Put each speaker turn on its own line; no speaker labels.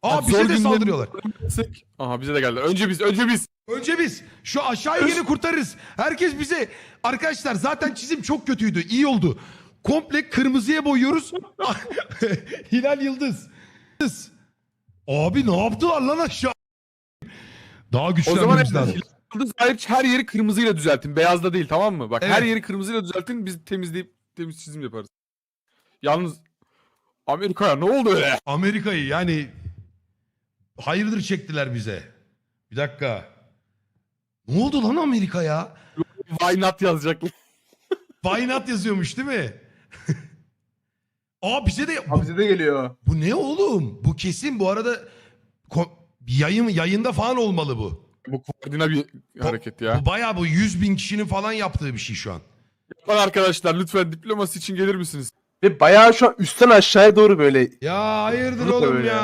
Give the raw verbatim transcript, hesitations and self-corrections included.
Aa
Zor
bize de
günlerin-
saldırıyorlar.
Aha bize de geldiler. Önce biz, önce biz.
Önce biz şu aşağıyı yeni kurtarırız. Herkes bize. Arkadaşlar zaten çizim çok kötüydü. İyi oldu. Komple kırmızıya boyuyoruz. Hilal Yıldız. Yıldız. Abi ne yaptılar lan aşağı? Daha
O zaman
güçlenmemiz lazım.
Yıldız hariç her yeri kırmızıyla düzeltin. Beyazda değil, tamam mı? Bak
Evet.
her yeri kırmızıyla düzeltin. Biz temizleyip temiz çizim yaparız. Yalnız Amerika'ya ne oldu öyle?
Amerika'yı yani hayırdır çektiler bize. Bir dakika. Ne oldu lan Amerika'ya?
Why not yazacaklar.
Why not yazıyormuş değil mi? Aa bize de...
Abi bize de geliyor.
Bu ne oğlum? Bu kesin bu arada ko- yayın yayında falan olmalı bu.
Bu koordina bir hareket ya.
Bu bayağı bu yüz bin kişinin falan yaptığı bir şey şu an.
Yapan arkadaşlar lütfen diploması için gelir misiniz?
Ve bayağı şu an üstten aşağıya doğru böyle
Ya hayırdır
Burada
oğlum
böyle.
ya.